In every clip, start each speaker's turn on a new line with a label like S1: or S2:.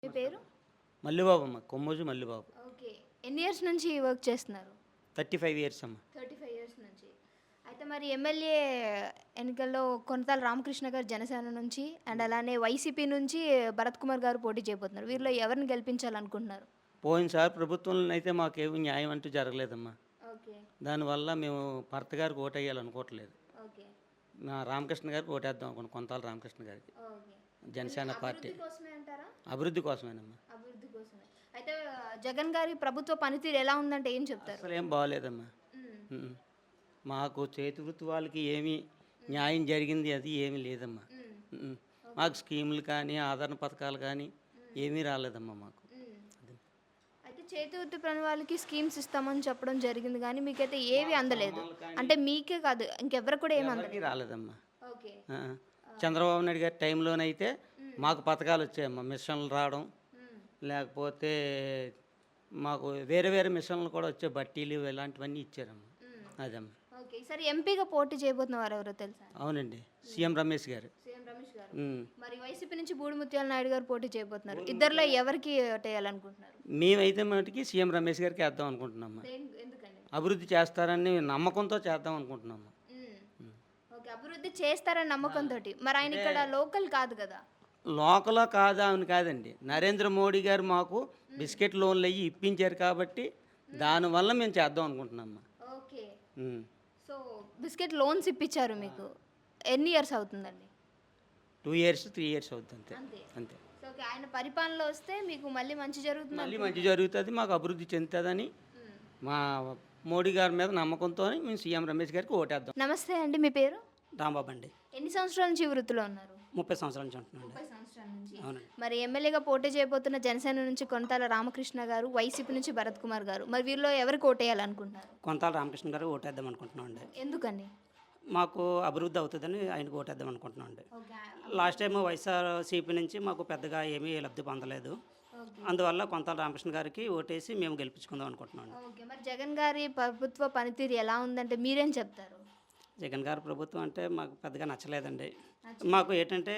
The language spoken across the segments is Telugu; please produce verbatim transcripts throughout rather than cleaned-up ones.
S1: మీ పేరు?
S2: మల్లిబాబు అమ్మ. కొమ్మోజు మల్లిబాబు.
S1: ఓకే. ఎన్ని ఇయర్స్ నుంచి వర్క్ చేస్తున్నారు?
S2: ముప్పై ఐదు ఇయర్స్ అమ్మ.
S1: ముప్పై ఐదు ఇయర్స్ నుంచి. అయితే మరి ఎమ్మెల్యే ఎన్నికల్లో కొనతాల రామకృష్ణ గారు జనసేన నుంచి అండ్ అలానే వైసీపీ నుంచి భరత్ కుమార్ గారు పోటీ చేయబోతున్నారు. వీరిలో ఎవరిని గెలిపించాలనుకుంటున్నారు?
S2: పోయినసారి ప్రభుత్వంలో అయితే మాకేమి న్యాయం అంటూ జరగలేదమ్మా.
S1: ఓకే.
S2: దానివల్ల మేము భర్త గారికి ఓటు వేయాలనుకోవట్లేదు.
S1: ఓకే.
S2: నా రామకృష్ణ గారికి ఓటేద్దాం అనుకున్నాం. కొంతాల రామకృష్ణ గారికి.
S1: ఓకే.
S2: జనసేన పార్టీ
S1: అభివృద్ధి కోసమే అంటారా?
S2: అభివృద్ధి కోసమేనమ్మా.
S1: అభివృద్ధి కోసమే. అయితే జగన్ గారి ప్రభుత్వ పనితీరు ఎలా ఉందంటే ఏం చెప్తారు?
S2: అసలు ఏం బాగోలేదమ్మా.
S1: మ్మ్.
S2: ఉమ్. మాకు చేతి వృత్తి వాళ్ళకి ఏమీ న్యాయం జరిగింది అది ఏమీ లేదమ్మా.
S1: మ్మ్.
S2: ఉమ్. మాకు స్కీములు కానీ ఆదరణ పథకాలు కానీ ఏమీ రాలేదమ్మా మాకు.
S1: మ్మ్.
S2: అది.
S1: అయితే చేతి వృత్తి పని వాళ్ళకి స్కీమ్స్ ఇస్తామని చెప్పడం జరిగింది కానీ మీకైతే ఏవి అందలేదు. అంటే మీకే కాదు ఇంకెవరు కూడా ఏమి అందలేదు.
S2: ఎవరికీ రాలేదమ్మా.
S1: ఓకే.
S2: ఆ. చంద్రబాబు నాయుడు గారి టైంలోనైతే మాకు పథకాలు వచ్చాయమ్మా. మిషన్లు రావడం
S1: మ్మ్.
S2: లేకపోతే మాకు వేరే వేరే మిషన్లు కూడా వచ్చే బట్టీలు ఇలాంటివన్నీ ఇచ్చారమ్మా.
S1: మ్మ్.
S2: అదమ్మా.
S1: ఓకే. ఈసారి ఎంపీగా పోటీ చేయబోతున్న వారు ఎవరో తెలుసా?
S2: అవునండి, సీఎం రమేష్ గారు.
S1: సీఎం రమేష్ గారు.
S2: ఉమ్.
S1: మరి వైసీపీ నుంచి బూడిముత్యాల నాయుడు గారు పోటీ చేయబోతున్నారు. ఇద్దరిలో ఎవరికి ఓటేయాలనుకుంటున్నారు?
S2: మేమైతే మటుకి సీఎం రమేష్ గారికి వేద్దాం అనుకుంటున్నామ్మా.
S1: దేని- ఎందుకండి?
S2: అభివృద్ధి చేస్తారని నమ్మకంతో చేద్దాం అనుకుంటున్నాము.
S1: మ్మ్. ఓకే. అభివృద్ధి చేస్తారని నమ్మకంతో. మరి ఆయన ఇక్కడ లోకల్ కాదు కదా?
S2: లోకలో కాదా అని కాదండి, నరేంద్ర మోడీ గారు మాకు బిస్కెట్ లోన్లు అయ్యి ఇప్పించారు కాబట్టి దానివల్ల మేము చేద్దాం అనుకుంటున్నామ్మా.
S1: Okay.
S2: Um.
S1: So biscuit loans ఇప్పించారు మీకు. ఎన్ని ఇయర్స్ అవుతుందండి?
S2: టూ ఇయర్స్ త్రీ ఇయర్స్ అవుతుంది అంతే.
S1: అంతే.
S2: అంతే.
S1: So okay. ఆయన పరిపాలనలో వస్తే మీకు మళ్ళీ మంచి జరుగుతుంది.
S2: మళ్ళీ మంచి జరుగుతుంది, మాకు అభివృద్ధి చెందుతుందని
S1: మ్మ్.
S2: మా మోడీ గారి మీద నమ్మకంతో మేము సీఎం రమేష్ గారికి ఓటేద్దాం.
S1: నమస్తే అండి, మీ పేరు?
S3: రాంబాబు అండి.
S1: ఎన్ని సంవత్సరాల నుంచి ఈ వృత్తిలో ఉన్నారు?
S3: ముప్పై సంవత్సరాల నుంచి ఉంటున్నాను.
S1: ముప్పై సంవత్సరాల నుంచి.
S3: అవునండి.
S1: మరి ఎమ్మెల్యేగా పోటీ చేయబోతున్న జనసేన నుంచి కొనతాల రామకృష్ణ గారు, వైసీపీ నుంచి భరత్ కుమార్ గారు, మరి వీరిలో ఎవరికి ఓటేయాలనుకుంటున్నారు?
S3: కొంతాల రామకృష్ణ గారు ఓటేద్దాం అనుకుంటున్నాం అండి.
S1: ఎందుకని?
S3: మాకు అభివృద్ధి అవుతుందని ఆయనకు ఓటేద్దాం అనుకుంటున్నాం అండి.
S1: ఓకే.
S3: లాస్ట్ టైం వైఎస్ఆర్సీపీ నుంచి మాకు పెద్దగా ఏమీ లబ్ధి పొందలేదు.
S1: ఓకే.
S3: అందువల్ల కొంతాల రామకృష్ణ గారికి ఓటేసి మేము గెలిపించుకుందాం అనుకుంటున్నాం అండి.
S1: ఓకే. మరి జగన్ గారి ప్రభుత్వ పనితీరు ఎలా ఉందంటే మీరేం చెప్తారు?
S3: జగన్ గారి ప్రభుత్వం అంటే మాకు పెద్దగా నచ్చలేదండి. మాకు ఏంటంటే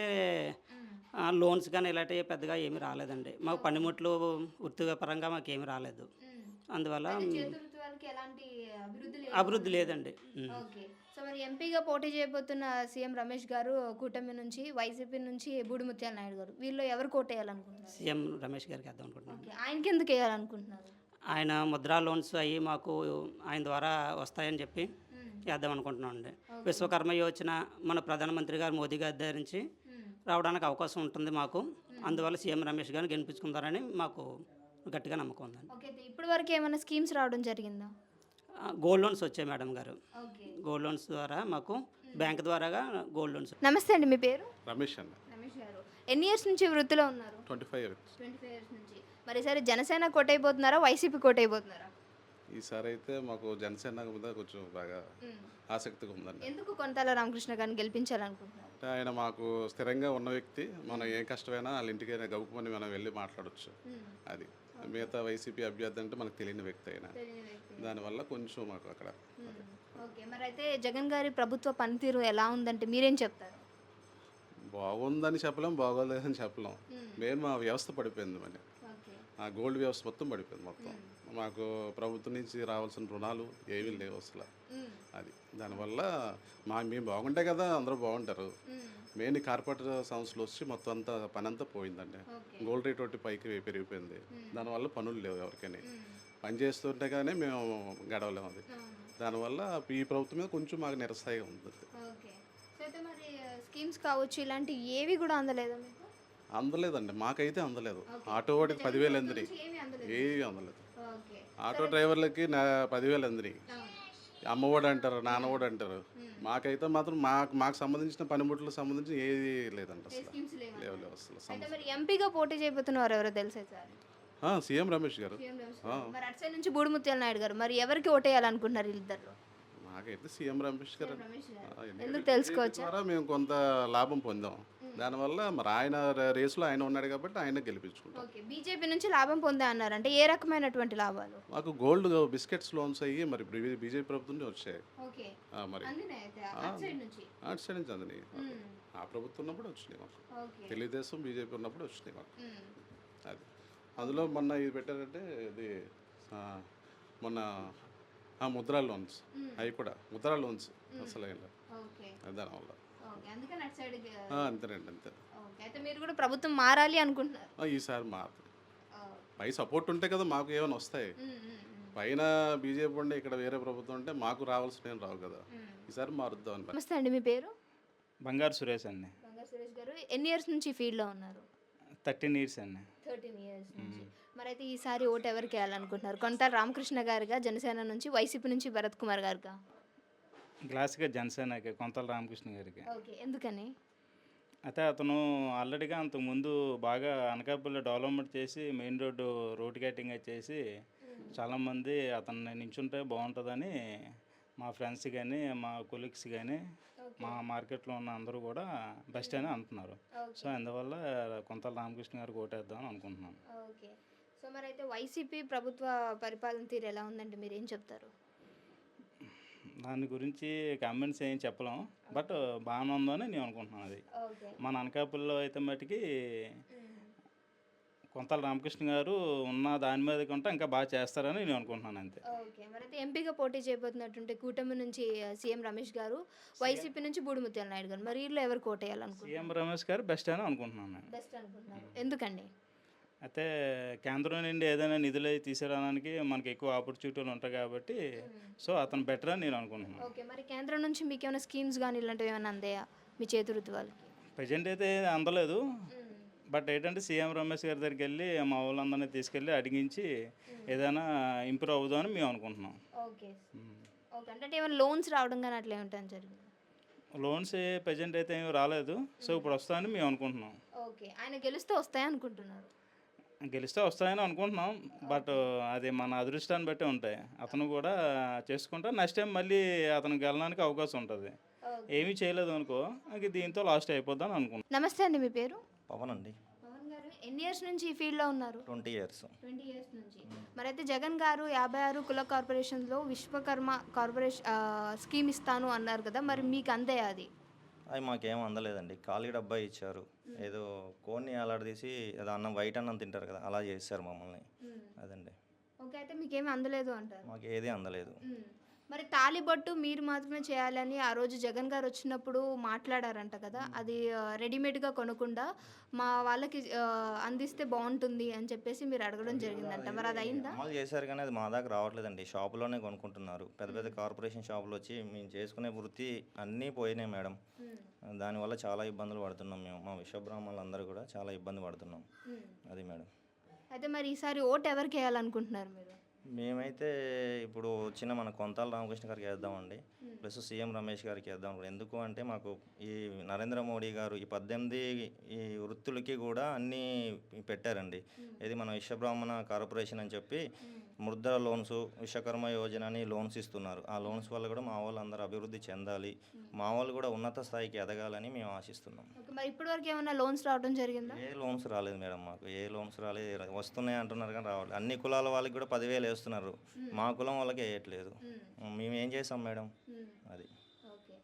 S3: ఆ, లోన్స్ కానీ ఇలాంటివి పెద్దగా ఏమీ రాలేదండి. మాకు పనిముట్లు వృత్తిపరంగా మాకు ఏమీ రాలేదు. అందువల్ల
S1: చేతివృత్తి వాళ్ళకి ఎలాంటి అభివృద్ధి లేదు.
S3: అభివృద్ధి లేదండి. ఉమ్.
S1: ఓకే. సో మరి ఎంపీగా పోటీ చేయబోతున్న సీఎం రమేష్ గారు కూటమి నుంచి, వైసీపీ నుంచి బూడిముత్యాల నాయుడు గారు, వీళ్ళు ఎవరు కోటేయాలనుకుంటున్నారు?
S3: సీఎం రమేష్ గారికి వేద్దాం అనుకుంటున్నాం.
S1: ఓకే. ఆయనకి ఎందుకు వేయాలనుకుంటున్నారు?
S3: ఆయన ముద్రా లోన్స్ అవి మాకు ఆయన ద్వారా వస్తాయని చెప్పి
S1: మ్మ్.
S3: వేద్దాం అనుకుంటున్నాం అండి. విశ్వకర్మ యోజన మన ప్రధానమంత్రి గారు మోదీ గారి దగ్గర నుంచి
S1: మ్మ్.
S3: రావడానికి అవకాశం ఉంటుంది మాకు. అందువల్ల సీఎం రమేష్ గారిని గెలిపించుకుంటారని మాకు గట్టిగా నమ్మకం ఉందండి.
S1: ఓకే. అయితే ఇప్పటి వరకు ఏమైనా స్కీమ్స్ రావడం జరిగిందా?
S3: ఆ, గోల్డ్ లోన్స్ వచ్చాయి మేడం గారు.
S1: ఓకే.
S3: గోల్డ్ లోన్స్ ద్వారా మాకు బ్యాంక్ ద్వారాగా గోల్డ్ లోన్స్.
S1: నమస్తే అండి, మీ పేరు?
S4: రమేష్ అన్న.
S1: రమేష్ గారు. ఎన్ని ఇయర్స్ నుంచి ఈ వృత్తిలో ఉన్నారు?
S4: Twenty five years.
S1: Twenty five years నుంచి. మరి ఈసారి జనసేన కోటైపోతున్నారా, వైసీపీ కోటైపోతున్నారా?
S4: ఈసారి అయితే మాకు జనసేన మీద కొంచెం బాగా ఆసక్తిగా ఉందండి.
S1: ఎందుకు కొనతాల రామకృష్ణ గారిని గెలిపించాలనుకుంటున్నారు?
S4: అంటే ఆయన మాకు స్థిరంగా ఉన్న వ్యక్తి. మనం ఏ కష్టమైనా వాళ్ళ ఇంటికైనా గౌకుమని మనం వెళ్ళి మాట్లాడవచ్చు. అది మిగతా వైసీపీ అభ్యర్థి అంటే మనకు తెలియని వ్యక్తి అయినా దానివల్ల కొంచెం మాకు అక్కడ
S1: ఓకే. మరి అయితే జగన్ గారి ప్రభుత్వ పనితీరు ఎలా ఉందంటే మీరేం చెప్తారు?
S4: బాగుందని చెప్పలేం, బాగోలేదని చెప్పలేం. మెయిన్ మా వ్యవస్థ పడిపోయింది. మరి
S1: ఓకే.
S4: ఆ గోల్డ్ వ్యవస్థ మొత్తం పడిపోయింది. మొత్తం మాకు ప్రభుత్వం నుంచి రావాల్సిన రుణాలు ఏమీ లేవు అసలు. అది దానివల్ల మా మేము బాగుంటే కదా అందరూ బాగుంటారు. మెయిన్ కార్పొరేట్ సంస్థలు వచ్చి మొత్తం అంతా పని అంతా పోయిందండి. గోల్డ్ రేట్ ఒకటి పైకి పెరిగిపోయింది. దానివల్ల పనులు లేవు ఎవరికైనా. పని చేస్తుంటే కానీ మేము గడవలేము. అది దానివల్ల ఈ ప్రభుత్వం మీద కొంచెం మాకు నిరసాయిగా ఉంది.
S1: ఓకే. సో అయితే మరి స్కీమ్స్ కావచ్చు ఇలాంటి ఏవి కూడా అందలేదా మీకు?
S4: అందలేదండి, మాకైతే అందలేదు. ఆటో వాడికి పదివేలు అందినాయి,
S1: ఏమీ అందలేదు.
S4: ఏవి అందలేదు.
S1: ఓకే.
S4: ఆటో డ్రైవర్లకి నా పదివేలు అందినాయి. అమ్మఒడు అంటారు, నాన్నఒడు అంటారు. మాకైతే మాత్రం మాకు మాకు సంబంధించిన పనిముట్లకు సంబంధించి ఏది లేదండి అసలు.
S1: స్కీమ్స్ లేవా?
S4: లేవు లేవు అసలు.
S1: అయితే మరి ఎంపీగా పోటీ చేయబోతున్నారు ఎవరో తెలుసా సార్?
S4: ఆ, సీఎం రమేష్ గారు.
S1: మరి అటు సైడ్ నుంచి బూడిముత్యాల నాయుడు గారు, మరి ఎవరికి ఓటేయాలనుకుంటున్నారు వీళ్ళిద్దరు?
S4: మాకైతే సీఎం రమేష్ గారు.
S1: రమేష్ గారు.
S4: ఆ, ఎందుకంటే
S1: ఎందుకు తెలుసుకోవచ్చా?
S4: ద్వారా మేము కొంత లాభం పొందాం. దానివల్ల మరి ఆయన రేసులో ఆయన ఉన్నాడు కాబట్టి ఆయన గెలిపించుకుంటాం.
S1: ఓకే. బీజేపీ నుంచి లాభం పొందే అన్నారు, అంటే ఏ రకమైనటువంటి లాభాలు?
S4: మాకు గోల్డ్ బిస్కెట్స్ లోన్స్ అయ్యి మరి బీజేపీ ప్రభుత్వం నుంచి వచ్చాయి.
S1: ఓకే.
S4: ఆ, మరి
S1: అందినాయి అయితే అటు సైడ్ నుంచి.
S4: అటు సైడ్ నుంచి అందినాయి. ఆ ప్రభుత్వం ఉన్నప్పుడు వచ్చినాయి మాకు.
S1: ఓకే.
S4: తెలుగుదేశం బీజేపీ ఉన్నప్పుడు వచ్చినాయి మాకు. అది అందులో మొన్న ఇది పెట్టారంటే ఇది ఆ, మొన్న ఆ, ముద్రా లోన్స్ అవి కూడా ముద్రా లోన్స్ అసలు ఏం లేదు.
S1: ఓకే
S4: అది దానివల్ల
S1: ఓకే అందుకని అటు సైడ్
S4: ఆ, అంతేనండి అంతే
S1: ఓకే అయితే మీరు కూడా ప్రభుత్వం మారాలి అనుకుంటున్నారు.
S4: ఆ, ఈసారి మారుతుంది. పై సపోర్ట్ ఉంటే కదా మాకు ఏమైనా వస్తాయి.
S1: ఉమ్, ఉమ్, ఉమ్.
S4: పైన బీజేపీ ఉండి ఇక్కడ వేరే ప్రభుత్వం ఉంటే మాకు రావాల్సిన ఏం రావు కదా. ఈసారి మారుద్దాం అని.
S1: నమస్తే అండి, మీ పేరు?
S5: బంగారు సురేష్ అండి.
S1: బంగారు సురేష్ గారు, ఎన్ని ఇయర్స్ నుంచి ఈ ఫీల్డ్లో ఉన్నారు?
S5: థర్టీన్ ఇయర్స్ అండి.
S1: థర్టీన్ ఇయర్స్ నుంచి. మరి అయితే ఈసారి ఓటు ఎవరికి వేయాలనుకుంటున్నారు? కొంత రామకృష్ణ గారుగా జనసేన నుంచి, వైసీపీ నుంచి భరత్ కుమార్ గారుగా?
S5: గ్లాస్గా జనసేనకి కొంతల రామకృష్ణ గారికి.
S1: ఓకే ఎందుకని?
S5: అయితే అతను ఆల్రెడీగా అంతకుముందు బాగా అనకాపల్లి డెవలప్మెంట్ చేసి మెయిన్ రోడ్డు రోడ్ కటింగ్ చేసి చాలామంది అతన్ని నించుంటే బాగుంటుందని మా ఫ్రెండ్స్ కానీ మా కొలీగ్స్ కానీ మా మార్కెట్లో ఉన్న అందరూ కూడా బెస్ట్ అని అంటున్నారు. సో అందువల్ల కొంతల రామకృష్ణ గారికి ఓటేద్దామని అనుకుంటున్నాను.
S1: ఓకే సో మరి అయితే వైసీపీ ప్రభుత్వ పరిపాలన తీరు ఎలా ఉందంటే మీరు ఏం చెప్తారు?
S5: దాని గురించి కామెంట్స్ ఏం చెప్పలేం, బట్ బాగానే ఉందని నేను అనుకుంటున్నాను. అది
S1: ఓకే
S5: మన అనకాపల్లిలో అయితే మటుకి కొంతల రామకృష్ణ గారు ఉన్న దాని మీద కంటే ఇంకా బాగా చేస్తారని నేను అనుకుంటున్నాను అంతే.
S1: ఓకే మరి అయితే ఎంపీగా పోటీ చేయబోతున్నట్టుంటే కూటమి నుంచి సీఎం రమేష్ గారు, వైసీపీ నుంచి బూడిముత్యాల నాయుడు గారు, మరి వీళ్ళు ఎవరు కోటేయాలనుకుంటున్నారు?
S5: సీఎం రమేష్ గారు బెస్ట్ అని అనుకుంటున్నాను నేను.
S1: బెస్ట్ అనుకుంటున్నారు, ఎందుకండి?
S5: అయితే కేంద్రం నుండి ఏదైనా నిధులు అవి తీసుకురావడానికి మనకి ఎక్కువ ఆపర్చునిటీలు ఉంటాయి కాబట్టి సో అతను బెటర్ అని నేను అనుకుంటున్నాను.
S1: ఓకే మరి కేంద్రం నుంచి మీకు ఏమైనా స్కీమ్స్ కానీ ఇలాంటివి ఏమైనా అందాయా మీ చేతురుతి వాళ్ళకి?
S5: ప్రజెంట్ అయితే అందలేదు, బట్ ఏంటంటే సీఎం రమేష్ గారి దగ్గరికి వెళ్ళి మా వాళ్ళందరినీ తీసుకెళ్ళి అడిగించి ఏదైనా ఇంప్రూవ్ అవుదామని మేము అనుకుంటున్నాం.
S1: ఓకే ఓకే అంటే ఏమైనా లోన్స్ రావడం కానీ అట్లా ఏమిటని జరిగింది?
S5: లోన్స్ ప్రజెంట్ అయితే ఏమి రాలేదు, సో ఇప్పుడు వస్తాయని మేము అనుకుంటున్నాం.
S1: ఓకే ఆయన గెలిస్తే వస్తాయి అనుకుంటున్నారు?
S5: గెలిస్తే వస్తాయని అనుకుంటున్నాం, బట్ అది మన అదృష్టాన్ని బట్టి ఉంటాయి. అతను కూడా చేసుకుంటే నెక్స్ట్ టైం మళ్ళీ అతను గెలడానికి అవకాశం ఉంటుంది. ఏమీ చేయలేదు అనుకో ఇంక దీంతో లాస్ట్ అయిపోద్దని అనుకుంటున్నాం.
S1: నమస్తే అండి, మీ పేరు?
S6: పవన్ అండి.
S1: పవన్ గారు ఎన్ని ఇయర్స్ నుంచి ఈ ఫీల్డ్లో ఉన్నారు?
S6: Twenty years.
S1: ట్వంటీ ఇయర్స్ నుంచి. మరి అయితే జగన్ గారు యాభై ఆరు కుల కార్పొరేషన్లో విశ్వకర్మ కార్పొరేషన్ స్కీమ్ ఇస్తాను అన్నారు కదా, మరి మీకు అందే అది?
S6: అవి మాకేం అందలేదండి. ఖాళీ డబ్బా ఇచ్చారు, ఏదో కోన్ని అలాడదీసి ఏదో అన్నం వైట్ అన్నం తింటారు కదా అలా చేశారు మమ్మల్ని. అదండి.
S1: ఓకే అయితే మీకేమీ అందలేదు అంటారు?
S6: మాకు ఏది అందలేదు.
S1: మరి తాలిబొట్టు మీరు మాత్రమే చేయాలని ఆ రోజు జగన్ గారు వచ్చినప్పుడు మాట్లాడారంట కదా, అది రెడీమేడ్గా కొనకుండా మా వాళ్ళకి ఆ, అందిస్తే బాగుంటుంది అని చెప్పేసి మీరు అడగడం జరిగిందంట, మరి అది అయిందా?
S6: అమలు చేశారు కానీ అది మా దాకా రావట్లేదండి. షాపులోనే కొనుక్కుంటున్నారు. పెద్ద పెద్ద కార్పొరేషన్ షాపులు వచ్చి మేము చేసుకునే వృత్తి అన్నీ పోయినాయి మేడం. దానివల్ల చాలా ఇబ్బందులు పడుతున్నాం మేము. మా విశ్వబ్రాహ్మణులు అందరూ కూడా చాలా ఇబ్బంది పడుతున్నాం. అది మేడం.
S1: అయితే మరి ఈసారి ఓటు ఎవరికి వేయాలనుకుంటున్నారు మీరు?
S6: మేమైతే ఇప్పుడు వచ్చిన మన కొంతాల రామకృష్ణ గారికి వేద్దామండి, ప్లస్ సీఎం రమేష్ గారికి వేద్దాం. ఎందుకు అంటే మాకు ఈ నరేంద్ర మోడీ గారు ఈ పద్దెనిమిది ఈ వృత్తులకి కూడా అన్నీ పెట్టారండి. ఇది మన విశ్వబ్రాహ్మణ కార్పొరేషన్ అని చెప్పి ముద్ర లోన్స్, విశ్వకర్మ యోజన అని లోన్స్ ఇస్తున్నారు. ఆ లోన్స్ వల్ల కూడా మా వాళ్ళు అందరూ అభివృద్ధి చెందాలి, మా వాళ్ళు కూడా ఉన్నత స్థాయికి ఎదగాలని మేము ఆశిస్తున్నాం.
S1: ఓకే మరి ఇప్పటి వరకు ఏమైనా లోన్స్ రావడం జరిగిందా?
S6: ఏ లోన్స్ రాలేదు మేడం, మాకు ఏ లోన్స్ రాలేదు. వస్తున్నాయి అంటున్నారు కానీ రావాలి. అన్ని కులాల వాళ్ళకి కూడా పదివేలు వేస్తున్నారు, మా కులం వాళ్ళకి వేయట్లేదు. మేము ఏం చేసాం మేడం? అది.
S1: ఓకే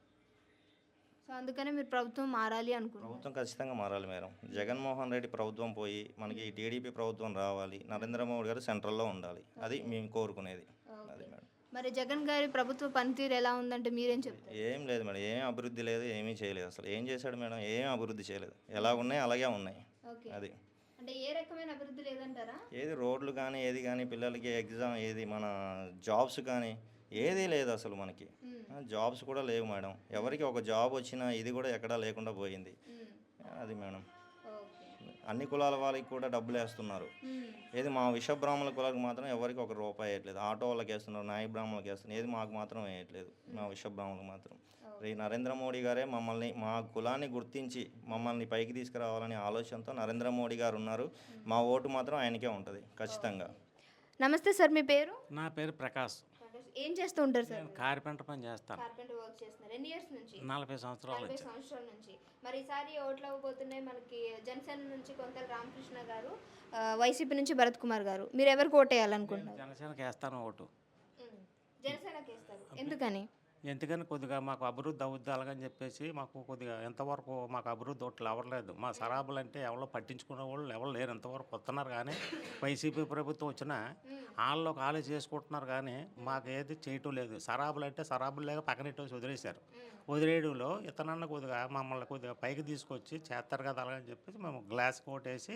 S1: సో అందుకనే మీరు ప్రభుత్వం మారాలి అనుకుంటున్నారు?
S6: ప్రభుత్వం ఖచ్చితంగా మారాలి మేడం. జగన్మోహన్ రెడ్డి ప్రభుత్వం పోయి మనకి ఈ టీడీపీ ప్రభుత్వం రావాలి, నరేంద్ర మోడీ గారు సెంట్రల్లో ఉండాలి. అది మేము కోరుకునేది. అది మేడం.
S1: మరి జగన్ గారి ప్రభుత్వ పనితీరు ఎలా ఉందంటే మీరేం చెప్తారు?
S6: ఏం లేదు మేడం, ఏం అభివృద్ధి లేదు, ఏమీ చేయలేదు. అసలు ఏం చేశాడు మేడం? ఏం అభివృద్ధి చేయలేదు. ఎలా ఉన్నాయి అలాగే ఉన్నాయి.
S1: ఓకే
S6: అది.
S1: అంటే ఏ రకమైన అభివృద్ధి లేదంటారా?
S6: ఏది రోడ్లు కానీ ఏది కానీ పిల్లలకి ఎగ్జామ్ ఏది మన జాబ్స్ కానీ ఏదీ లేదు అసలు మనకి. జాబ్స్ కూడా లేవు మేడం. ఎవరికి ఒక జాబ్ వచ్చినా ఇది కూడా ఎక్కడా లేకుండా పోయింది. అది మేడం. అన్ని కులాల వాళ్ళకి కూడా డబ్బులు వేస్తున్నారు. ఏది మా విశ్వబ్రాహ్మణుల కులాలకు మాత్రం ఎవరికి ఒక రూపాయి వేయట్లేదు. ఆటో వాళ్ళకి వేస్తున్నారు, నాయ బ్రాహ్మణులకు వేస్తున్నారు. ఏది మాకు మాత్రం వేయట్లేదు, మా విశ్వబ్రాహ్మణులకు మాత్రం. ఈ నరేంద్ర మోడీ గారే మమ్మల్ని మా కులాన్ని గుర్తించి మమ్మల్ని పైకి తీసుకురావాలనే ఆలోచనతో నరేంద్ర మోడీ గారు ఉన్నారు. మా ఓటు మాత్రం ఆయనకే ఉంటుంది ఖచ్చితంగా.
S1: నమస్తే సార్, మీ పేరు?
S7: నా పేరు ప్రకాష్.
S1: ఏం చేస్తూ ఉంటారు సార్?
S7: కార్పెంటర్ పని చేస్తాను.
S1: కార్పెంటర్ వర్క్ చేస్తున్నారు. ఎన్ని ఇయర్స్ నుంచి?
S7: నలభై సంవత్సరాల
S1: నలభై
S7: నుంచి.
S1: సంవత్సరాల నుంచి. మరి ఈసారి ఓట్లు అవ్వబోతున్నాయి మనకి. జనసేన నుంచి కొంతల రామకృష్ణ గారు, ఆ, వైసీపీ నుంచి భరత్ కుమార్ గారు. మీరు ఎవరికి ఓటు వేయాలనుకుంటున్నారు?
S7: జనసేనకి వేస్తాను ఓటు.
S1: జనసేనకి వేస్తారు, ఎందుకని?
S7: ఎందుకని కొద్దిగా మాకు అభివృద్ధి అవుద్ది అలాగని చెప్పేసి మాకు కొద్దిగా ఎంతవరకు మాకు అభివృద్ధి ఒకటి అవ్వలేదు. మా సరాబులు అంటే ఎవరో పట్టించుకునే వాళ్ళు ఎవరు లేరు, ఎంతవరకు వస్తున్నారు. కానీ వైసీపీ ప్రభుత్వం వచ్చినా వాళ్ళు ఖాళీ చేసుకుంటున్నారు, కానీ మాకు ఏది చేయటం లేదు. సరాబులు అంటే సరాబులు లేక పక్కనెట్టేసి వదిలేశారు. వదిలేయడంలో ఇతనన్న కొద్దిగా మమ్మల్ని కొద్దిగా పైకి తీసుకొచ్చి చేస్తారు కదా అలాగని చెప్పేసి మేము గ్లాస్ కోటేసి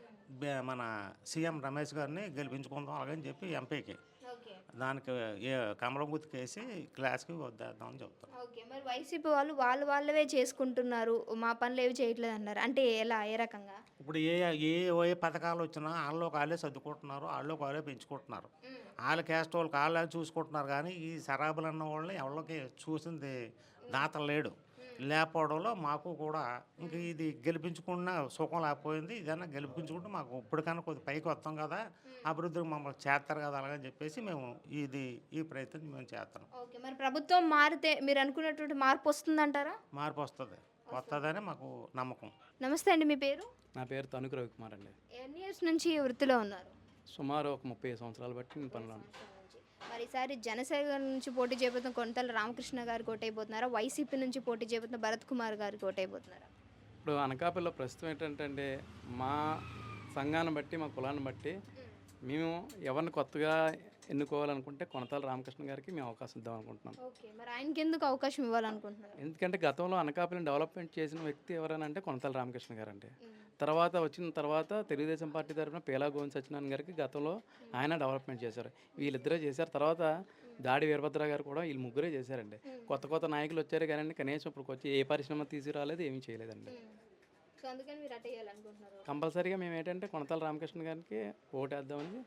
S7: బే- మన సీఎం రమేష్ గారిని గెలిపించుకుందాం అలాగని చెప్పి ఎంపీకి
S1: ఓకే.
S7: దానికి ఏ కమలం గుర్తుకేసి క్లాస్కి వద్దేద్దామని చెప్తాం.
S1: ఓకే. మరి వైసీపీ వాళ్ళు వాళ్ళు వాళ్ళవే చేసుకుంటున్నారు. మా పనులు ఏవి చేయట్లేదు అన్నారు. అంటే ఎలా? ఏ రకంగా?
S7: ఇప్పుడు ఏ ఏ ఏ పథకాలు వచ్చినా వాళ్ళకి వాళ్ళే సర్దుకుంటున్నారు, వాళ్ళకి వాళ్ళే పెంచుకుంటున్నారు. వాళ్ళ క్యాస్ట్ వాళ్ళకి వాళ్ళే చూసుకుంటున్నారు, కానీ ఈ సరాబులు అన్న వాళ్ళని ఎవరికి చూసింది దాత లేడు. లేకపోవడంలో మాకు కూడా ఇంక ఇది గెలిపించుకున్న సుఖం లేకపోయింది. ఇదన్నా గెలిపించుకుంటే మాకు ఇప్పటికన్నా కొద్ది పైకి వస్తాం కదా, అభివృద్ధికి మమ్మల్ని చేస్తారు కదా అలాగని చెప్పేసి మేము ఇది ఈ ప్రయత్నం మేము చేస్తాం.
S1: ఓకే. మరి ప్రభుత్వం మారితే మీరు అనుకున్నటువంటి మార్పు వస్తుందంటారా?
S7: మార్పు వస్తుంది వస్తుందని మాకు నమ్మకం.
S1: నమస్తే అండి, మీ పేరు?
S8: నా పేరు తణుకు రవికుమార్ అండి.
S1: ఎన్ని ఇయర్స్ నుంచి ఈ వృత్తిలో ఉన్నారు?
S8: సుమారు ఒక ముప్పై సంవత్సరాలు బట్టి నేను పనిలో ఉన్నాను.
S1: మరి ఈసారి జనసేన నుంచి పోటీ చేయబోతున్న కొంతల రామకృష్ణ గారు కోటైపోతున్నారా? వైసీపీ నుంచి పోటీ చేయబోతున్న భరత్ కుమార్ గారు కోటైపోతున్నారా?
S8: ఇప్పుడు అనకాపల్లిలో ప్రస్తుతం ఏంటంటే అండి, మా సంఘాన్ని బట్టి మా కులాన్ని బట్టి మేము ఎవరిని కొత్తగా ఎన్నుకోవాలనుకుంటే కొనతాల రామకృష్ణ గారికి మేము అవకాశం ఇద్దాం అనుకుంటున్నాం.
S1: ఓకే. మరి ఆయనకి ఎందుకు అవకాశం ఇవ్వాలనుకుంటున్నారు?
S8: ఎందుకంటే గతంలో అనకాపల్లిని డెవలప్మెంట్ చేసిన వ్యక్తి ఎవరైనా అంటే కొనతాల రామకృష్ణ గారు అండి. తర్వాత వచ్చిన తర్వాత తెలుగుదేశం పార్టీ తరఫున పేలా గోవింద్ సత్యనారాయణ గారికి గతంలో ఆయన డెవలప్మెంట్ చేశారు. వీళ్ళిద్దరే చేశారు. తర్వాత దాడి వీరభద్ర గారు కూడా వీళ్ళు ముగ్గురే చేశారండి. కొత్త కొత్త నాయకులు వచ్చారు కానీ కనీసం ఇప్పుడు వచ్చి ఏ పరిశ్రమ తీసుకురాలేదు, ఏమీ చేయలేదండి.
S1: సో అందుకని మీరు అటు వేయాలనుకుంటున్నారు.
S8: కంపల్సరీగా మేము ఏంటంటే కొనతాల రామకృష్ణ గారికి ఓటేద్దామని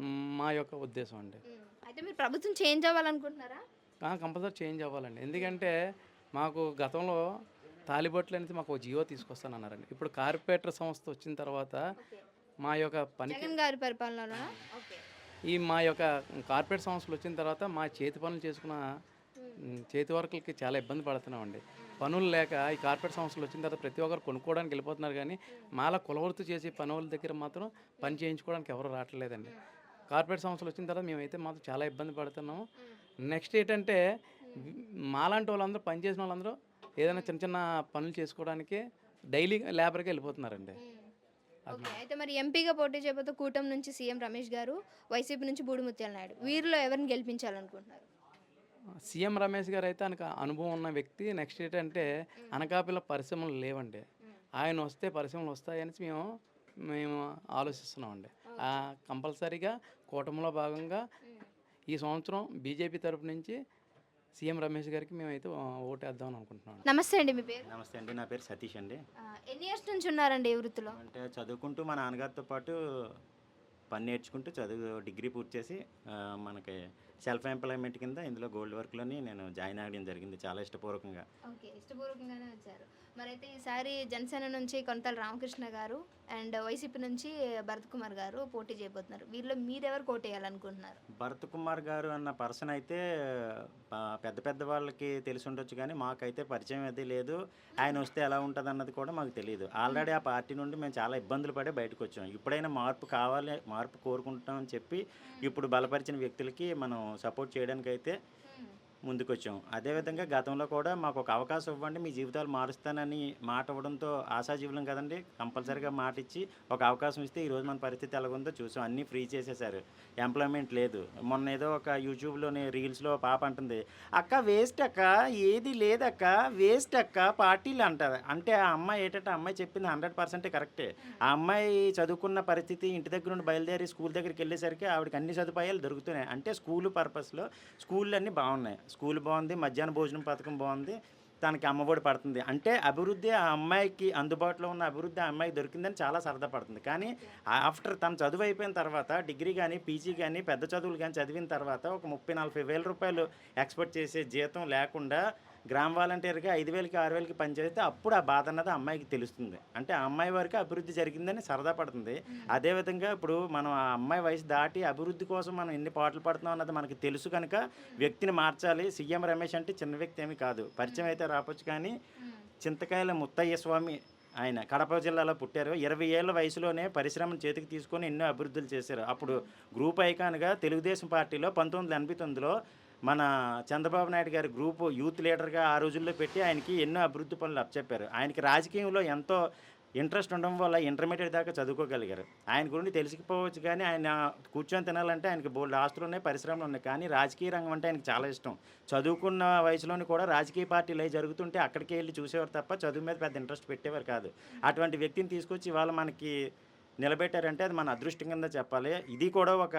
S8: మా యొక్క ఉద్దేశం అండి.
S1: అయితే మీరు ప్రభుత్వం చేంజ్ అవ్వాలనుకుంటున్నారా?
S8: కంపల్సరీ చేంజ్ అవ్వాలండి. ఎందుకంటే మాకు గతంలో తాలిబొట్లు అనేది మాకు ఒక జియో తీసుకొస్తానన్నారండి. ఇప్పుడు కార్పొరేటర్ సంస్థ వచ్చిన తర్వాత మా యొక్క పని
S1: జగన్ గారి పరిపాలనలోనా? ఓకే.
S8: ఈ మా యొక్క కార్పొరేట్ సంస్థలు వచ్చిన తర్వాత మా చేతి పనులు చేసుకున్న ఉమ్, చేతి వర్కులకి చాలా ఇబ్బంది పడుతున్నామండి. పనులు లేక ఈ కార్పొరేట్ సంస్థలు వచ్చిన తర్వాత ప్రతి ఒక్కరు కొనుక్కోవడానికి వెళ్ళిపోతున్నారు, కానీ మాలా కులవృత్తి చేసి పనుల దగ్గర మాత్రం పని చేయించుకోవడానికి ఎవరు రావట్లేదండి. కార్పొరేట్ సంస్థలు వచ్చిన తర్వాత మేమైతే మాత్రం చాలా ఇబ్బంది పడుతున్నాము. నెక్స్ట్ ఏంటంటే మాలాంటి వాళ్ళందరూ పని చేసిన వాళ్ళందరూ ఏదైనా చిన్న చిన్న పనులు చేసుకోవడానికి డైలీ లేబర్కి వెళ్ళిపోతున్నారండి.
S1: ఓకే. అయితే మరి ఎంపీగా పోటీ చేయబోతే కూటమి నుంచి సీఎం రమేష్ గారు, వైసీపీ నుంచి బూడిముత్యాల నాయుడు, వీరిలో ఎవరిని గెలిపించాలనుకుంటున్నారు?
S8: సీఎం రమేష్ గారు అయితే ఆయనకు అనుభవం ఉన్న వ్యక్తి. నెక్స్ట్ ఏంటంటే అనకాపల్లి పరిశ్రమలు లేవండి. ఆయన వస్తే పరిశ్రమలు వస్తాయని మేము మేము ఆలోచిస్తున్నామండి. కంపల్సరీగా కూటమిలో భాగంగా ఈ సంవత్సరం బీజేపీ తరపు నుంచి సీఎం రమేష్ గారికి మేమైతే ఓటేద్దాం అనుకుంటున్నాం.
S1: నమస్తే అండి, మీ పేరు?
S9: నమస్తే అండి, నా పేరు సతీష్ అండి.
S1: ఆ, ఎన్ని ఇయర్స్ నుంచి ఉన్నారండి ఈ వృత్తిలో?
S9: అంటే చదువుకుంటూ మా నాన్నగారితో పాటు పని నేర్చుకుంటూ చదువు డిగ్రీ పూర్తి చేసి ఆ, మనకి సెల్ఫ్ ఎంప్లాయ్మెంట్ కింద ఇందులో గోల్డ్ వర్క్లోని నేను జాయిన్ అవ్వడం జరిగింది చాలా ఇష్టపూర్వకంగా.
S1: ఓకే. ఇష్టపూర్వకంగానే వచ్చారు. మరైతే ఈసారి జనసేన నుంచి కొంతల రామకృష్ణ గారు అండ్ వైసీపీ నుంచి భరత్ కుమార్ గారు పోటీ చేయబోతున్నారు. వీళ్ళలో మీరెవరు కోటేయాలనుకుంటున్నారు?
S9: భరత్ కుమార్ గారు అన్న పర్సన్ అయితే ఆ, పెద్ద పెద్ద వాళ్ళకి తెలిసి ఉండొచ్చు, కానీ మాకైతే పరిచయం అయితే లేదు. ఆయన వస్తే ఎలా ఉంటుంది అన్నది కూడా మాకు తెలియదు. ఆల్రెడీ ఆ పార్టీ నుండి మేము చాలా ఇబ్బందులు పడే బయటకు వచ్చాం. ఇప్పుడైనా మార్పు కావాలి, మార్పు కోరుకుంటామని చెప్పి ఇప్పుడు బలపరిచిన వ్యక్తులకి మనం సపోర్ట్ చేయడానికి అయితే ముందుకొచ్చాం. అదేవిధంగా గతంలో కూడా మాకు ఒక అవకాశం ఇవ్వండి, మీ జీవితాలు మారుస్తానని మాట ఇవ్వడంతో ఆశాజీవులం కదండి. కంపల్సరీగా మాట ఇచ్చి ఒక అవకాశం ఇస్తే ఈరోజు మన పరిస్థితి ఎలాగుందో చూసాం. అన్నీ ఫ్రీ చేసేసారు, ఎంప్లాయ్మెంట్ లేదు. మొన్న ఏదో ఒక యూట్యూబ్లోని రీల్స్లో పాప అంటుంది, అక్క వేస్ట్ అక్క, ఏది లేదక్క, వేస్ట్ అక్క పార్టీలు అంటారు. అంటే ఆ అమ్మాయి ఏంటంటే ఆ అమ్మాయి చెప్పింది హండ్రెడ్ పర్సెంటే కరెక్టే. ఆ అమ్మాయి చదువుకున్న పరిస్థితి ఇంటి దగ్గర నుండి బయలుదేరి స్కూల్ దగ్గరికి వెళ్ళేసరికి ఆవిడకి అన్ని సదుపాయాలు దొరుకుతున్నాయి. అంటే స్కూల్ పర్పస్లో స్కూళ్ళు అన్నీ బాగున్నాయి. స్కూల్ బాగుంది, మధ్యాహ్న భోజనం పథకం బాగుంది, తనకి అమ్మఒడి పడుతుంది. అంటే అభివృద్ధి ఆ అమ్మాయికి అందుబాటులో ఉన్న అభివృద్ధి ఆ అమ్మాయికి దొరికిందని చాలా సరదా పడుతుంది. కానీ ఆఫ్టర్ తను చదువు అయిపోయిన తర్వాత డిగ్రీ కానీ పీజీ కానీ పెద్ద చదువులు కానీ చదివిన తర్వాత ఒక ముప్పై నలభై వేల రూపాయలు ఎక్స్పెక్ట్ చేసే జీతం లేకుండా గ్రామ వాలంటీర్గా ఐదు వేలకి ఆరు వేలకి పనిచేస్తే అప్పుడు ఆ బాధ అన్నది అమ్మాయికి తెలుస్తుంది. అంటే ఆ అమ్మాయి వరకు అభివృద్ధి జరిగిందని సరదా పడుతుంది. అదేవిధంగా ఇప్పుడు మనం ఆ అమ్మాయి వయసు దాటి అభివృద్ధి కోసం మనం ఎన్ని పాటలు పడుతున్నాం అన్నది మనకి తెలుసు కనుక వ్యక్తిని మార్చాలి. సీఎం రమేష్ అంటే చిన్న వ్యక్తి ఏమీ కాదు, పరిచయం అయితే రాపొచ్చు, కానీ చింతకాయల ముత్తయ్య స్వామి ఆయన కడప జిల్లాలో పుట్టారు. ఇరవై ఏళ్ళ వయసులోనే పరిశ్రమను చేతికి తీసుకొని ఎన్నో అభివృద్ధులు చేశారు. అప్పుడు గ్రూప్ ఐకాన్గా తెలుగుదేశం పార్టీలో పంతొమ్మిది వందల ఎనభై తొమ్మిదిలో మన చంద్రబాబు నాయుడు గారి గ్రూపు యూత్ లీడర్గా ఆ రోజుల్లో పెట్టి ఆయనకి ఎన్నో అభివృద్ధి పనులు అప్పచెప్పారు. ఆయనకి రాజకీయంలో ఎంతో ఇంట్రెస్ట్ ఉండడం వల్ల ఇంటర్మీడియట్ దాకా చదువుకోగలిగారు. ఆయన గురించి తెలిసిపోవచ్చు కానీ ఆయన కూర్చొని తినాలంటే ఆయనకి బోల్డ్ ఆస్తులు ఉన్నాయి, పరిశ్రమలు ఉన్నాయి. కానీ రాజకీయ రంగం అంటే ఆయనకి చాలా ఇష్టం. చదువుకున్న వయసులోని కూడా రాజకీయ పార్టీలు అవి జరుగుతుంటే అక్కడికి వెళ్ళి చూసేవారు తప్ప చదువు మీద పెద్ద ఇంట్రెస్ట్ పెట్టేవారు కాదు. అటువంటి వ్యక్తిని తీసుకొచ్చి ఇవాళ మనకి నిలబెట్టారంటే అది మన అదృష్టం కింద చెప్పాలి. ఇది కూడా ఒక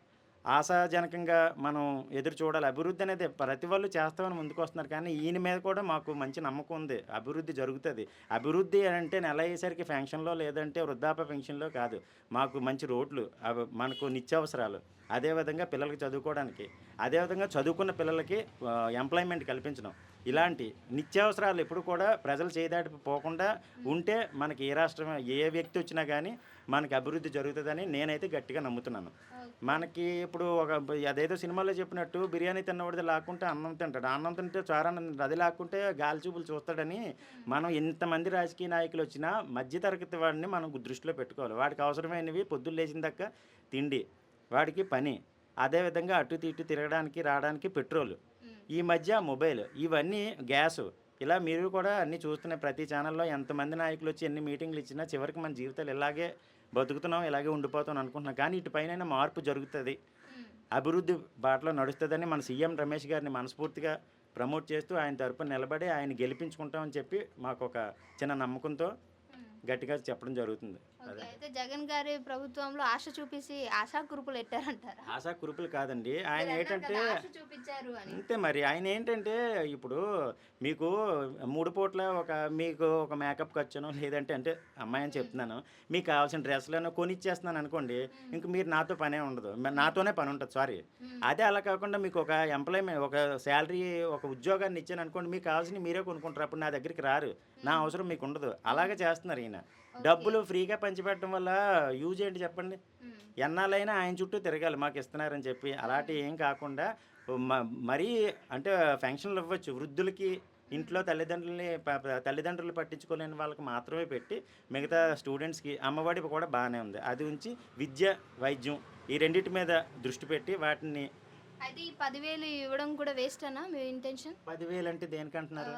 S9: ఆశాజనకంగా మనం ఎదురు చూడాలి. అభివృద్ధి అనేది ప్రతి వాళ్ళు చేస్తామని ముందుకు వస్తున్నారు కానీ ఈయన మీద కూడా మాకు మంచి నమ్మకం ఉంది. అభివృద్ధి జరుగుతుంది. అభివృద్ధి అంటే నెల అయ్యేసరికి పెన్షన్లో లేదంటే వృద్ధాప్య పెన్షన్లో కాదు, మాకు మంచి రోడ్లు, అవి మనకు నిత్యావసరాలు, అదేవిధంగా పిల్లలకి చదువుకోవడానికి, అదేవిధంగా చదువుకున్న పిల్లలకి ఎంప్లాయ్మెంట్ కల్పించడం, ఇలాంటి నిత్యావసరాలు ఎప్పుడు కూడా ప్రజలు చేయదాటి పోకుండా ఉంటే మనకి ఏ రాష్ట్రం ఏ వ్యక్తి వచ్చినా కానీ మనకి అభివృద్ధి జరుగుతుందని నేనైతే గట్టిగా నమ్ముతున్నాను. మనకి ఇప్పుడు ఒక అదేదో సినిమాలో చెప్పినట్టు బిర్యానీ తిన్నవాడిది లాక్కుంటే అన్నం తింటాడు, అన్నం తింటే చారన్నం తింటాడు, అది లాక్కుంటే గాలి చూపులు చూస్తాడని మనం ఎంతమంది రాజకీయ నాయకులు వచ్చినా మధ్యతరగతి వాడిని మనం దృష్టిలో పెట్టుకోవాలి. వాడికి అవసరమైనవి పొద్దున్న లేచిన దాకా తిండి, వాడికి పని, అదేవిధంగా అటు ఇటు తిరగడానికి రావడానికి పెట్రోలు, ఈ మధ్య మొబైల్, ఇవన్నీ గ్యాసు, ఇలా మీరు కూడా అన్నీ చూస్తున్న ప్రతి ఛానల్లో ఎంతమంది నాయకులు వచ్చి ఎన్ని మీటింగ్లు ఇచ్చినా చివరికి మన జీవితాలు ఇలాగే బతుకుతున్నాం, ఇలాగే ఉండిపోతాం అనుకుంటున్నాం. కానీ ఇటుపైన మార్పు జరుగుతుంది, అభివృద్ధి బాటలో నడుస్తుందని మన సీఎం రమేష్ గారిని మనస్ఫూర్తిగా ప్రమోట్ చేస్తూ ఆయన తరపున నిలబడి ఆయన గెలిపించుకుంటామని చెప్పి మాకు ఒక చిన్న నమ్మకంతో గట్టిగా చెప్పడం జరుగుతుంది.
S1: ఓకే. అయితే జగన్ గారి ప్రభుత్వంలో ఆశ చూపిసి ఆశా కురుపులు ఎట్టారంటారా?
S9: ఆశా కురుపులు కాదండి, ఆయన
S1: మీరు అన్నారు
S9: ఏంటంటే
S1: కదా, ఆశ చూపించారు అని.
S9: అంతే మరి. ఆయన ఏంటంటే ఇప్పుడు మీకు మూడు పూట్ల ఒక మీకు ఒక మేకప్ ఖర్చును లేదంటే అంటే అమ్మాయి అని చెప్తున్నాను, మీకు కావాల్సిన డ్రెస్లను కొనిచ్చేస్తున్నాను అనుకోండి, ఇంక మీరు నాతో పనే ఉండదు, మ- నాతోనే పని ఉంటుంది, సారీ. అదే అలా కాకుండా మీకు ఒక ఎంప్లాయ్మెంట్ ఒక శాలరీ ఒక ఉద్యోగాన్ని ఇచ్చాను అనుకోండి, మీకు కావాల్సినవి మీరే కొనుక్కుంటారు, అప్పుడు నా దగ్గరికి రారు, నా అవసరం మీకు ఉండదు. అలాగే చేస్తున్నారు ఈయన. డబ్బులు ఫ్రీగా పంచిపెట్టడం వల్ల యూజ్ ఏంటి చెప్పండి? ఎన్నాళ్ళైనా ఆయన చుట్టూ తిరగాలి మాకు ఇస్తున్నారని చెప్పి. అలాంటి ఏం కాకుండా మ- మరీ అంటే ఫంక్షన్లు ఇవ్వచ్చు వృద్ధులకి, ఇంట్లో తల్లిదండ్రులని ప- ప- తల్లిదండ్రులు పట్టించుకోలేని వాళ్ళకి మాత్రమే పెట్టి మిగతా స్టూడెంట్స్కి అమ్మఒడి కూడా బాగానే ఉంది. అది ఉంచి విద్య, వైద్యం ఈ రెండింటి మీద దృష్టి పెట్టి వాటిని.
S1: అయితే ఈ పదివేలు ఇవ్వడం కూడా వేస్ట్ అనా మీ ఇంటెన్షన్?
S9: పదివేలు అంటే దేనికంటున్నారు?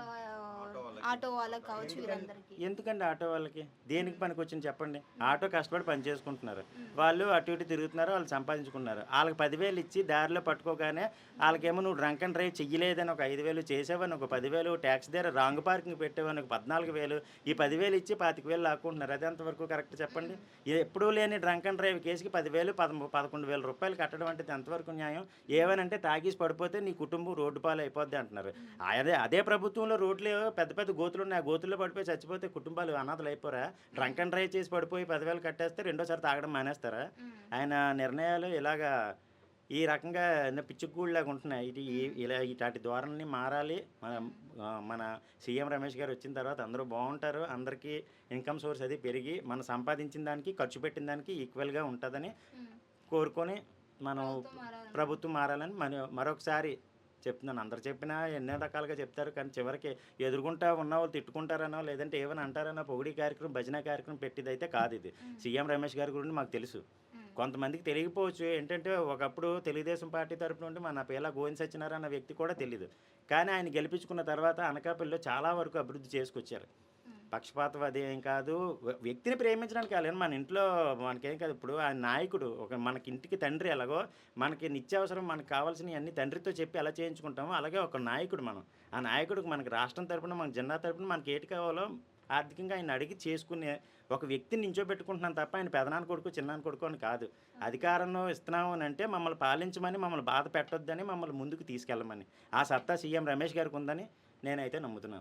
S1: ఆటో వాళ్ళకి కావచ్చు, వీరందరికీ.
S9: ఎందుకండి ఆటో వాళ్ళకి దేనికి పనికి వచ్చింది చెప్పండి? ఆటో కష్టపడి పని చేసుకుంటున్నారు, వాళ్ళు అటు ఇటు తిరుగుతున్నారు, వాళ్ళు సంపాదించుకున్నారు. వాళ్ళకి పదివేలు ఇచ్చి దారిలో పట్టుకోగానే వాళ్ళకేమో నువ్వు డ్రంక్ అండ్ డ్రైవ్ చెయ్యలేదని ఒక ఐదు వేలు చేసేవని ఒక పదివేలు, ట్యాక్స్ దగ్గర రాంగ్ పార్కింగ్ పెట్టేవని ఒక పద్నాలుగు వేలు, ఈ పదివేలు ఇచ్చి పాతిక వేలు లాక్కుంటున్నారు. అది ఎంతవరకు కరెక్ట్ చెప్పండి? ఎప్పుడూ లేని డ్రంక్ అండ్ డ్రైవ్ కేసుకి పదివేలు పదమూ పదకొండు వేల రూపాయలు కట్టడం అంటే ఎంతవరకు న్యాయం? ఏమనంటే తాగేసి పడిపోతే నీ కుటుంబం రోడ్డు పాలు అయిపోద్ది అంటున్నారు. అదే అదే ప్రభుత్వంలో రోడ్లు పెద్ద పెద్ద గోతులు ఉన్నాయి, ఆ గోతుల్లో పడిపోయి చచ్చిపోతే కుటుంబాలు అనాథలు అయిపోరా? డ్రంక్ అండ్ డ్రైవ్ చేసి పడిపోయి పదివేలు కట్టేస్తే రెండోసారి తాగడం మానేస్తారా? ఆయన నిర్ణయాలు ఇలాగా ఈ రకంగా పిచ్చుగూళ్ళలాగా ఉంటున్నాయి. ఇది ఈ- ఇలా ఇలాంటి ధోరణిని మారాలి. మన ఆ, మన సీఎం రమేష్ గారు వచ్చిన తర్వాత అందరూ బాగుంటారు, అందరికీ ఇన్కమ్ సోర్స్ అది పెరిగి మన సంపాదించిన దానికి ఖర్చు పెట్టిన దానికి ఈక్వల్గా ఉంటుందని కోరుకొని మనం ప్రభుత్వం మారాలని మన మరొకసారి చెప్తున్నాను. అందరు చెప్పినా ఎన్నో రకాలుగా చెప్తారు కానీ చివరికి ఎదుర్కొంటా ఉన్న వాళ్ళు తిట్టుకుంటారనో లేదంటే ఏమైనా అంటారనో పొగిడి కార్యక్రమం భజన కార్యక్రమం పెట్టిదైతే కాదు ఇది. సీఎం రమేష్ గారి గురించి మాకు తెలుసు, కొంతమందికి తెలియకపోవచ్చు. ఏంటంటే ఒకప్పుడు తెలుగుదేశం పార్టీ తరపు నుండి మన పేలా గోవింద్ సత్యనారాయణ అన్న వ్యక్తి కూడా తెలియదు, కానీ ఆయన గెలిపించుకున్న తర్వాత అనకాపల్లిలో చాలా వరకు అభివృద్ధి చేసుకొచ్చారు. పక్షపాతం అదేం కాదు, వ్య- వ్యక్తిని ప్రేమించడానికి కాలేదు, మన ఇంట్లో మనకేం కాదు. ఇప్పుడు ఆ నాయకుడు ఒక మనకి ఇంటికి తండ్రి ఎలాగో మనకి నిత్యావసరం మనకు కావాల్సినవి అన్ని తండ్రితో చెప్పి ఎలా చేయించుకుంటామో అలాగే ఒక నాయకుడు మనం. ఆ నాయకుడికి మనకి రాష్ట్రం తరపున మన జిల్లా తరపున మనకి ఏటి కావాలో ఆర్థికంగా ఆయన అడిగి చేసుకునే ఒక వ్యక్తిని నించోబెట్టుకుంటున్నాం తప్ప ఆయన పెదనాన్న కొడుకు చిన్నాన్న కొడుకు అని కాదు. అధికారంలో ఇస్తున్నాము అని అంటే మమ్మల్ని పాలించమని, మమ్మల్ని బాధ పెట్టొద్దని, మమ్మల్ని ముందుకు తీసుకెళ్ళమని ఆ సత్తా సీఎం రమేష్ గారికి ఉందని నేనైతే నమ్ముతున్నాను.